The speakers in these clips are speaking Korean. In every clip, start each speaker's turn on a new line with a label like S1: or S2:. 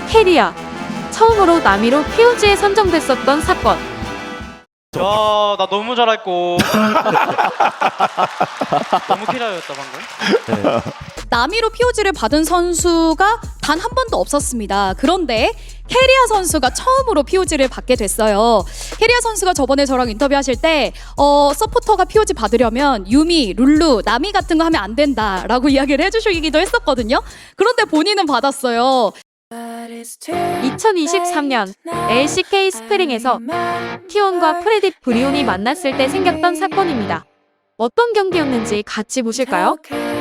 S1: 캐리아 처음으로 남이로 POG에 선정됐었던 사건.
S2: 야, 나 너무 잘했고. 너무 키라였다 방금.
S3: 남이로 POG를 받은 선수가 단 한 번도 없었습니다. 그런데 캐리아 선수가 처음으로 POG를 받게 됐어요. 캐리아 선수가 저번에 저랑 인터뷰하실 때 서포터가 POG 받으려면 유미, 룰루, 나미 같은 거 하면 안 된다라고 이야기를 해주시기도 했었거든요. 그런데 본인은 받았어요.
S1: 2023년 LCK 스프링에서 T1과 프레딧 브리온이 만났을 때 생겼던 사건입니다. 어떤 경기였는지 같이 보실까요?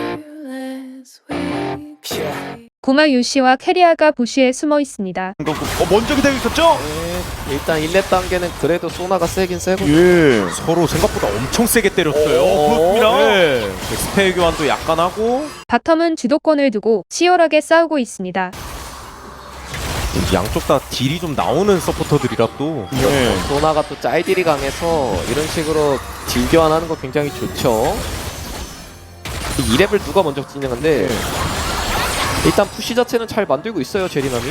S4: 고마 유씨와 캐리아가 부시에 숨어 있습니다.
S5: 먼저 기다리고 있었죠?
S6: 일단 1렙 단계는 그래도 소나가 세긴 세고
S5: 예.
S7: 서로 생각보다 엄청 세게 때렸어요.
S5: 그렇습니다.
S7: 네. 스페어 교환도 약간 하고
S4: 바텀은 주도권을 두고 치열하게 싸우고 있습니다.
S7: 양쪽 다 딜이 좀 나오는 서포터들이라 또
S5: 예.
S6: 소나가 또 짤딜이 강해서 이런 식으로 딜 교환하는 거 굉장히 좋죠. 2렙을 누가 먼저 진행한데 일단 푸시 자체는 잘 만들고 있어요 제리남이.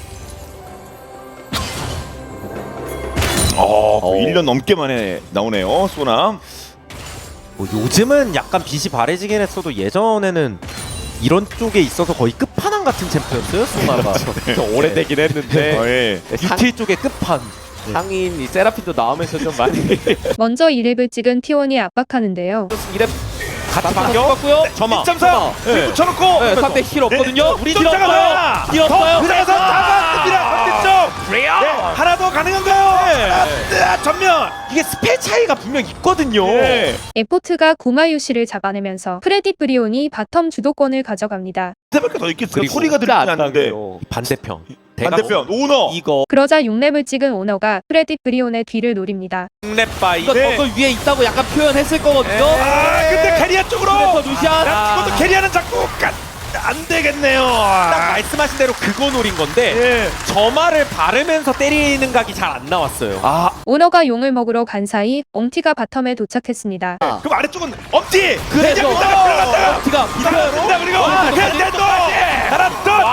S5: 1년 넘게 만에 나오네요, 소나.
S7: 뭐 요즘은 약간 빛이 바래지긴 했어도 예전에는 이런 쪽에 있어서 거의 끝판왕 같은 챔프였어요, 소나가.
S6: 오래되긴 했는데
S5: 예.
S7: 유틸 쪽의 끝판.
S6: 상인 이 세라핀도 나오면서 좀 많이
S4: 먼저 2렙을 찍은 T1이 압박하는데요.
S6: 2렙
S7: 같이
S6: 반격 같고요.
S7: 점화.
S5: 1.3
S6: 네.
S5: 붙여놓고
S6: 네, 상대 힐 없거든요. 우리 딜
S5: 쫓아가라.
S6: 없어요. 딜 없어요.
S5: 그래서 나갔습니다. 반대쪽. 네, 하나 더 가능한가요? 하나, 전면.
S7: 이게 스펠 차이가 분명 있거든요.
S5: 예.
S4: 에포트가 고마 유씨를 잡아내면서 프레딧 브리온이 바텀 주도권을 가져갑니다.
S5: 세발가 더 있겠어요.
S6: 그리고
S5: 소리가 들리지 않는데.
S7: 반대편.
S5: 반대편 오너.
S7: 이거
S4: 그러자 6렙을 찍은 오너가 프레딧 브리온의 뒤를 노립니다.
S7: 랩바이.
S6: 이거
S5: 네.
S6: 저거 위에 있다고 약간 표현했을 거거든요.
S5: 아, 근데 캐리아 쪽으로.
S6: 그래서 루시안.
S5: 이것도 캐리아는 자꾸 안 되겠네요.
S7: 딱 말씀하신 대로 그거 노린 건데
S5: 예.
S7: 점화를 바르면서 때리는 각이 잘 안 나왔어요.
S4: 오너가 용을 먹으러 간 사이 엉티가 바텀에 도착했습니다.
S5: 그럼 아래쪽은 엄지.
S6: 그래서
S5: 들어간다.
S6: 티가
S5: 들어간다. 그리고 캐리아 또 하나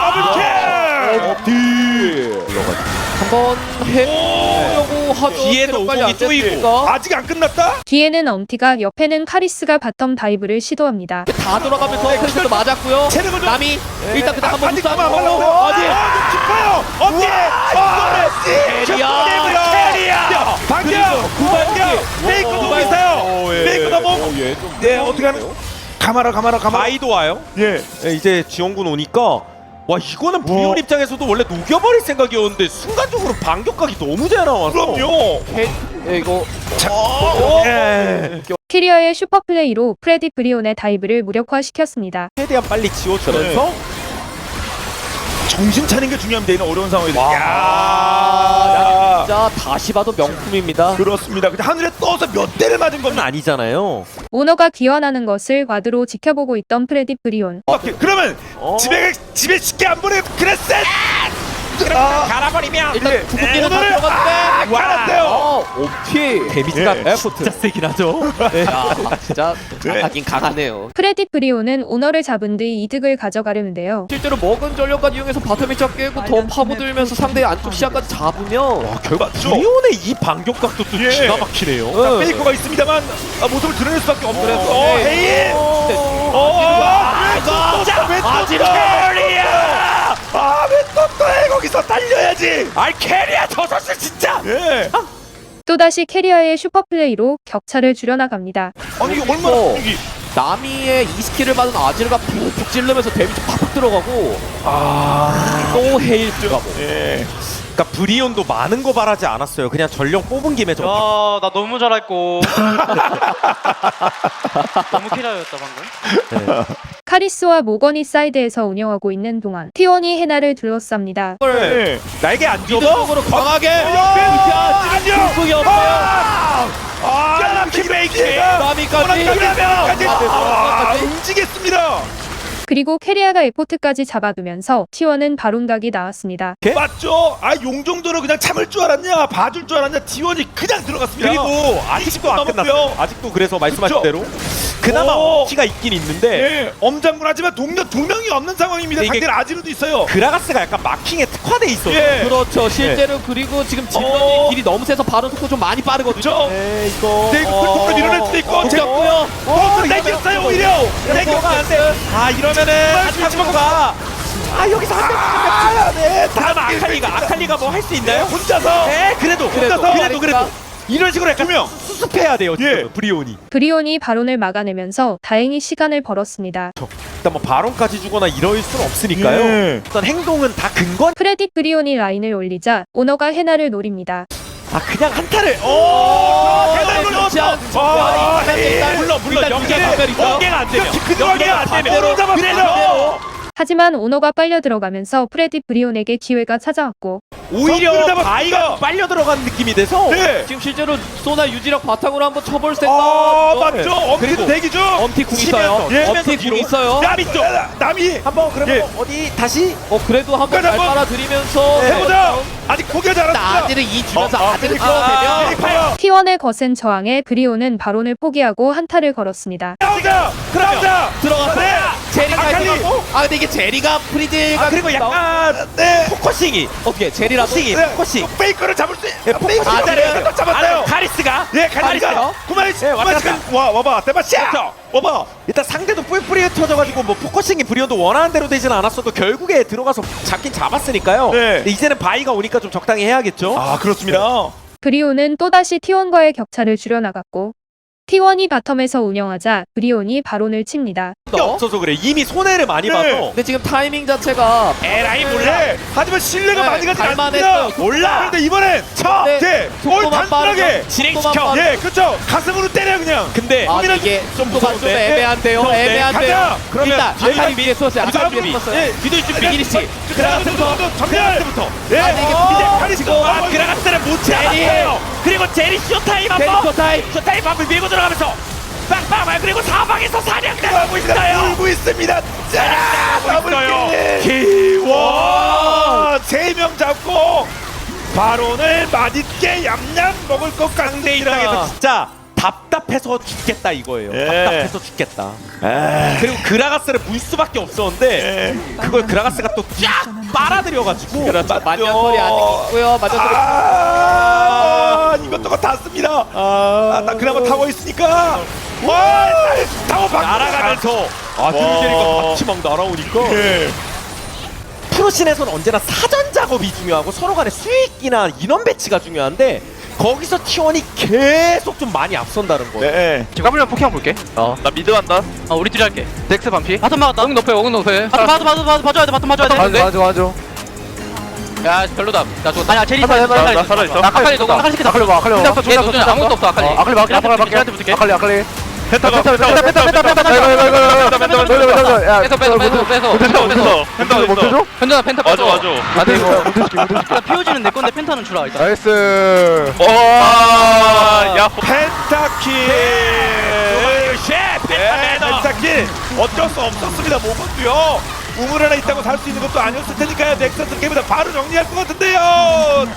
S5: 더 더블 캐.
S6: 한번 해보려고 하죠.
S7: 뒤에도
S6: 체력관리
S7: 오공이
S6: 안
S7: 쪼이고.
S6: 됐으니까.
S5: 아직 안 끝났다?
S4: 뒤에는 엄티가, 옆에는 카리스가 바텀 다이브를 시도합니다.
S6: 다 돌아가면서 크리스도 맞았고요.
S5: 체력을 좀.
S6: 남이 일단 그냥 한번
S5: 아직
S6: 부스
S5: 그만
S6: 한번
S5: 말라고.
S6: 하고 어디?
S5: 깊어요. 엄지. 캐리아. 방금. 메이커 너무 있어요. 메이커 너무. 네, 어떻게 하는? 가마라.
S7: 바이도 와요.
S5: 예.
S7: 네, 이제 지원군 오니까 와 이거는 브리온 입장에서도 원래 녹여버릴 생각이었는데 순간적으로 반격각이 너무 잘 나와서
S5: 그럼요.
S6: 이거
S5: 예.
S4: 캐리어의 슈퍼플레이로 프레딧 브리온의 다이브를 무력화시켰습니다.
S7: 최대한 빨리 지워주면서
S5: 정신 차리는 게 중요합니다. 이런 어려운 상황에서.
S6: 야,
S5: 야.
S6: 진짜 다시 봐도 명품입니다.
S5: 그렇습니다. 근데 하늘에 떠서 몇 대를 맞은
S7: 그건
S5: 겁니다.
S7: 아니잖아요.
S4: 오너가 기원하는 것을 와드로 지켜보고 있던 프레딧 브리온.
S5: 그러면 집에 쉽게 안 보내. 그랬어.
S7: 갈아버리면
S6: 일단 구급기는 다
S5: 오늘은
S6: 들어갔는데
S5: 갈았어요.
S6: 옵티
S7: 데미지가
S5: 예.
S7: 진짜 세긴 하죠.
S6: 야, 진짜
S5: 네.
S6: 강하긴 강하네요.
S4: 프레딧 브리온은 오너를 잡은 뒤 이득을 가져가려는데요.
S6: 실제로 먹은 전력까지 이용해서 바텀 쫙 깨고 더 파고들면서 상대의 안쪽 시야까지 잡으면
S5: 결과
S7: 브리온의 이 반격각도 또
S5: 예.
S7: 기가 막히네요.
S5: 자, 페이커가 있습니다만 모습을 드러낼 수밖에 없는.
S6: 네.
S5: 헤이. 왜또 캐리야? 왜또 거기서 달려야지.
S7: 캐리아 저 선수 진짜.
S5: 예.
S4: 또다시 캐리어의 슈퍼플레이로 격차를 줄여나갑니다.
S5: 아니 이게 얼마나
S6: 어.
S5: 여기.
S6: 나미의 이 스킬을 받은 아지르가 푹푹 찔르면서 데미지 팍팍 들어가고 또 헤일 들어가고.
S5: 예.
S7: 그러니까 브리온도 많은 거 바라지 않았어요. 그냥 전력 뽑은 김에
S2: 야, 나 너무 잘했고. 너무 키라였다 방금.
S4: 카리스와 모건이 사이드에서 운영하고 있는 동안 T1이 헤나를 둘러쌉니다.
S5: 예. 날개 안 줘.
S6: 미드쪽으로 강하게
S5: 안녕.
S6: 궁극이 없어요.
S5: 아, 키메이키.
S6: 나미까지
S5: 움직였습니다.
S4: 그리고 캐리아가 에포트까지 잡아두면서 T1은 바론각이 나왔습니다.
S5: 맞죠? 아 용 정도로 그냥 참을 줄 알았냐, 봐줄 줄 알았냐. T1이 그냥 들어갔습니다.
S7: 그리고 아직도 안 끝났어요. 아직도 그래서 말씀하신
S5: 그쵸?
S7: 대로 그나마
S5: 오.
S7: 키가 있긴 있는데
S5: 예, 엄장군 하지만 동료 두 명이 없는 상황입니다.
S7: 이게-
S5: 상대는 아지르도 있어요.
S7: 그라가스가 약간 마킹에 특화돼 있어요.
S5: 예.
S6: 그렇죠. 실제로 그리고 지금 질럿이 길이 너무 세서 바로 속도 좀 많이 빠르거든요.
S5: 그렇죠.
S7: 네, 이거
S5: 네, 이거 큰 통으로 밀어낼 수도 있고.
S6: 웃겼고요.
S5: 내겼어요 오히려.
S7: 내겨가 안 돼. 아 이러면은 한타가 아 여기서 한 대.
S5: 네,
S7: 다음 아칼리가 뭐 할 수 있나요?
S5: 혼자서.
S7: 네, 그래도 이런 식으로 약간 수습해야 돼요. 지금
S5: 예.
S7: 브리온이.
S4: 브리온이 바론을 막아내면서 다행히 시간을 벌었습니다.
S7: 일단 뭐 바론까지 주거나 이럴 수는 없으니까요.
S5: 예.
S7: 어떤 행동은 다 근거.
S4: 프레딧 브리온이 라인을 올리자 오너가 헤나를 노립니다.
S7: 아 그냥 한타를.
S5: 대단히
S6: 물론 연계가 안 되면
S5: 연계가 안 되면 잡았어요.
S4: 하지만 오너가 빨려 들어가면서 프레딧 브리온에게 기회가 찾아왔고
S7: 오히려
S5: 잡았습니다.
S7: 바이가 빨려 들어간 느낌이 돼서
S5: 네.
S6: 지금 실제로 소나 유지력 바탕으로 한번 쳐볼 생각.
S5: 맞죠. 엄티도 대기 중.
S6: 엄티 궁 있어요.
S5: 예.
S6: 엄티 궁 있어요.
S5: 남이 쪽. 남이
S7: 한번 그러면
S5: 예.
S7: 어디 다시
S6: 그래도 한번 잘
S5: 한번
S6: 빨아들이면서
S5: 해보자. 아직 포기하지 않았습니다.
S6: 아지를 이 주면서 아지를
S5: 아,
S6: 끌어내면
S5: 파이어.
S4: T1의 거센 저항에 브리온은 바론을 포기하고 한타를 걸었습니다.
S5: 나오자. 그러자.
S6: 들어가서
S5: 네.
S6: 제리가
S5: 아칼리.
S6: 들어가고 근데 이게 제리가 프리드가
S7: 그리고 약간
S5: 네.
S7: 포커싱이
S6: 어떻게 제리라도
S7: 포커싱
S5: 페이커를 잡을 수.
S7: 포커싱
S5: 페이커를 잡았어요.
S7: 카리스가
S5: 예, 가리가. 구마리 씨.
S7: 왔다 갔다.
S5: 와봐. 대마시야. 와봐.
S7: 일단 상대도 뿔뿔이에 터져가지고 뭐 포커싱이 브리온도 원하는 대로 되진 않았어도 결국에 들어가서 잡긴 잡았으니까요.
S5: 네.
S7: 근데 이제는 바이가 오니까 좀 적당히 해야겠죠.
S5: 아, 그렇습니다.
S4: 브리온은 또다시 T1과의 격차를 줄여나갔고 T1이 바텀에서 운영하자 브리온이 바론을 칩니다.
S7: 없어서 그래. 이미 손해를 많이
S5: 네.
S7: 봐서.
S6: 근데 지금 타이밍 자체가
S5: 에라이 몰라. 하지만 신뢰가
S6: 네,
S5: 많이 가지
S6: 갈만했어요.
S5: 않습니다. 몰라. 그런데 이번엔
S6: 네,
S5: 뭘
S6: 속도만
S5: 단순하게
S6: 빠르죠.
S7: 진행시켜.
S6: 속도만
S5: 예, 그렇죠. 가슴으로 때려 그냥.
S7: 근데
S6: 이게 속도가 좀
S7: 무서운데?
S6: 애매한데요.
S7: 무서운데?
S6: 애매한데요.
S5: 가자.
S7: 그러면
S6: 일단
S7: 뒤에
S6: 아칼리 위에 쏘았어요. 아칼리 위에
S7: 준비.
S6: 쏘았어요.
S5: 예.
S6: 뒤도 좀 비기니 씨.
S5: 그라가스부터 전멸부터. 예.
S6: 아, 근데 이게
S5: 이제
S6: 어,
S5: 카리스가
S7: 그라가스를 못
S5: 잡았어요.
S7: 그리고 제리 쇼타임
S6: 데리터 타임.
S7: 쇼타임 한번 밀고 들어가면서 빵빵 그리고 사방에서 사냥당하고
S5: 울고 있습니다. 자,
S7: 있어요.
S5: 기원 3명 잡고 바론을 맛있게 얌얌 먹을 것
S7: 상대 입장에서
S5: 같습니다.
S7: 진짜 답답해서 죽겠다 이거예요.
S5: 예.
S7: 답답해서 죽겠다. 그리고 그라가스를 물 수밖에 없었는데 그걸 그라가스가 또 쫙 빨아들여가지고
S6: 만년설이 아직 있고요. 만년설이
S5: 이것저것 다 씁니다. 나 그나마 타워 있으니까. 와, 타워 박
S7: 날아가면서
S5: 와.
S7: 드루제리가 같이 막 날아오니까
S5: 예.
S7: 프로씬에서는 언제나 사전 작업이 중요하고 서로 간의 수익이나 인원 배치가 중요한데 거기서 T1이 계속 좀 많이 앞선다는 거예요.
S5: 네.
S8: 지금 까불면 포킹 한번 볼게. 나 미드 간다.
S2: 우리 둘이 할게.
S8: 덱스 반피.
S2: 바텀 막았다.
S8: 엉 높여, 엉 높여.
S2: 봐줘야 돼. 바텀 봐줘야 돼.
S8: 맞아.
S2: 야 별로다. 나 죽었다. 아니야 제리
S8: 나 살아있어.
S2: 아칼리 너무 아칼리 시켰다.
S8: 아칼리 봐, 아칼리 봐.
S2: 얘 아무것도 없어 아칼리.
S8: 아칼리 막게,
S2: 쟤한테 붙을게.
S8: 아칼리.
S5: 펜타.
S8: 펜타.
S2: 뺏어. 현준아 펜타 뺏어.
S8: 안돼 이거 못해줄게.
S2: 일단 피오지는 내 건데 펜타는 주라 일단.
S8: 나이스.
S5: 야, 펜타킬. 펜타킬. 어쩔 수 없었습니다. 모건도요. 우물 하나 있다고 살 수 있는 것도 아니었을 테니까요. 넥서스 게임보다 바로 정리할 것 같은데요.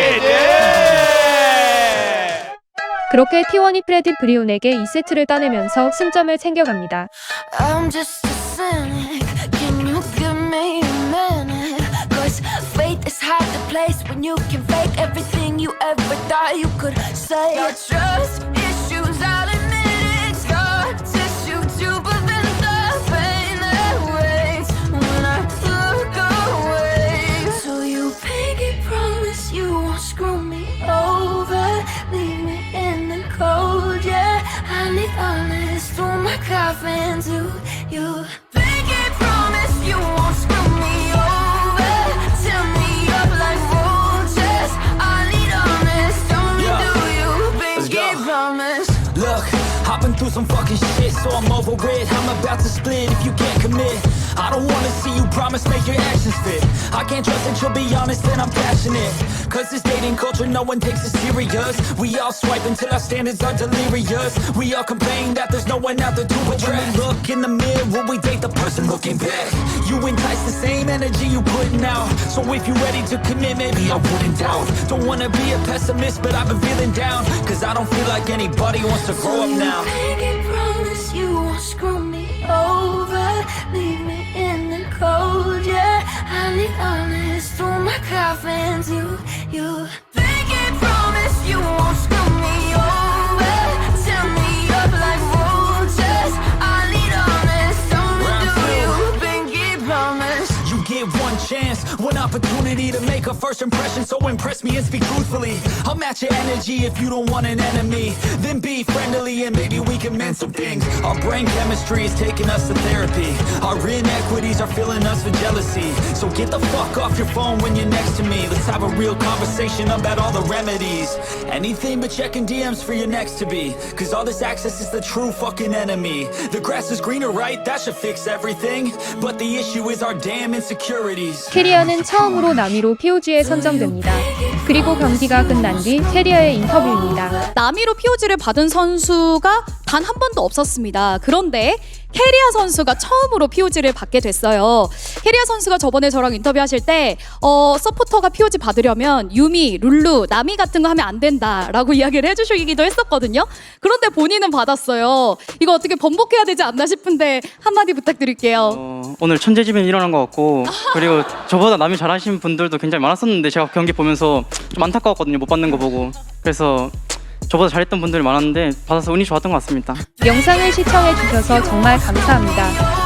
S4: 그렇게 T1이 프레딧 브리온에게 2세트를 따내면서 승점을 챙겨갑니다.
S9: I'm just a cynic. Can you give me a minute? Cause faith is hard to place when you can fake everything you ever thought you could say. Your trust issues, I'll admit it. Scar tissue to prevent the pain that waits when I look away. So you pinky promise you won't screw me over, leave me in the cold, yeah. I need honest through my coffin to you. Pinky promise you won't screw me over, tear me up like roaches. I need honest, only do you. Pinky promise.
S10: Look, I've been through some fucking shit, so I'm over it. I'm about to split if you can't commit. I don't wanna see you promise, make your actions fit. I can't trust that you'll be honest and I'm passionate. Cause this dating culture, no one takes it serious. We all swipe until our standards are delirious. We all complain that there's no one out there to address. When we look in the mirror, we date the person looking back. You entice the same energy you putting out. So if you're ready to commit, maybe I wouldn't doubt. Don't wanna be a pessimist, but I've been feeling down. Cause I don't feel like anybody wants to grow up now.
S9: Make it promise you won't screw me over, leave me in the cold, yeah. I need honest through my coffins, you. Make it promise you won't screw me over, tear me up like roaches. I need honest, don't do you, pinky promise.
S10: You get one chance, one opportunity to make a first impression. So impress me and speak truthfully. I'll match your energy if you don't want an enemy. Then be friendly and maybe we can mend some things. Our brain chemistry is taking us to therapy. Our inequities are filling us with jealousy. So get the fuck off your phone when you're next to me. Let's have a real conversation about all the remedies. Anything but checking DMs for your next to be. Cause all this access is the true fucking enemy. The grass is greener, right? That should fix everything. But the issue is our damn insecurities.
S4: 캐리어는 처음으로 남위로 POG에 선정됩니다. 그리고 경기가 끝난 뒤 캐리어의 인터뷰입니다.
S3: 남위로 POG를 받은 선수가 단 한 번도 없었습니다. 그런데 캐리아 선수가 처음으로 POG를 받게 됐어요. 캐리아 선수가 저번에 저랑 인터뷰하실 때 서포터가 POG 받으려면 유미, 룰루, 나미 같은 거 하면 안 된다라고 이야기를 해주시기도 했었거든요. 그런데 본인은 받았어요. 이거 어떻게 번복해야 되지 않나 싶은데 한마디 부탁드릴게요.
S2: 오늘 천재지변이 일어난 것 같고 그리고 저보다 남이 잘하시는 분들도 굉장히 많았었는데 제가 경기 보면서 좀 안타까웠거든요. 못 받는 거 보고. 그래서 저보다 잘했던 분들이 많았는데 받아서 운이 좋았던 것 같습니다.
S4: 영상을 시청해 주셔서 정말 감사합니다.